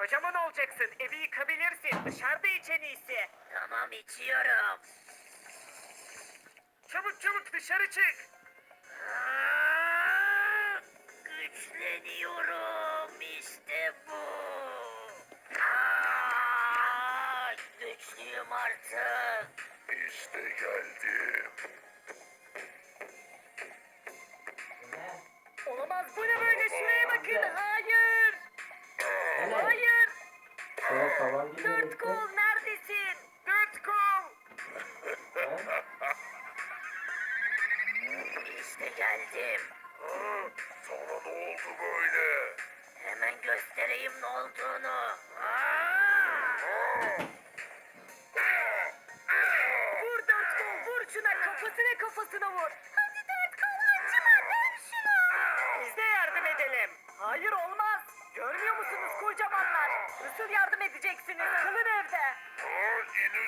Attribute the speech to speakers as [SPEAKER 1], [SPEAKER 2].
[SPEAKER 1] kocaman olacaksın. Evi yıkabilirsin. Dışarıda iç en iyisi.
[SPEAKER 2] Tamam içiyorum.
[SPEAKER 1] Çabuk çabuk dışarı çık.
[SPEAKER 2] Aa, güçleniyorum işte bu. Aa, güçlüyüm artık.
[SPEAKER 3] İşte geldim.
[SPEAKER 1] Olamaz bu ne böyle, şuraya bakın. Hayır. Hayır.
[SPEAKER 4] Şeye tavan gibi
[SPEAKER 1] Dört kol neredesin? Dört kol.
[SPEAKER 2] İşte geldim.
[SPEAKER 3] Sana ne oldu böyle?
[SPEAKER 2] Hemen göstereyim ne olduğunu.
[SPEAKER 1] Vur dört kol, vur şuna, kafasına vur. Hadi dört kol, acıma, dön şunu. Biz de yardım edelim. Hayır olmaz. Görmüyor musunuz kocamanlar? Nasıl yardım edeceksiniz? Kalın evde.
[SPEAKER 3] İn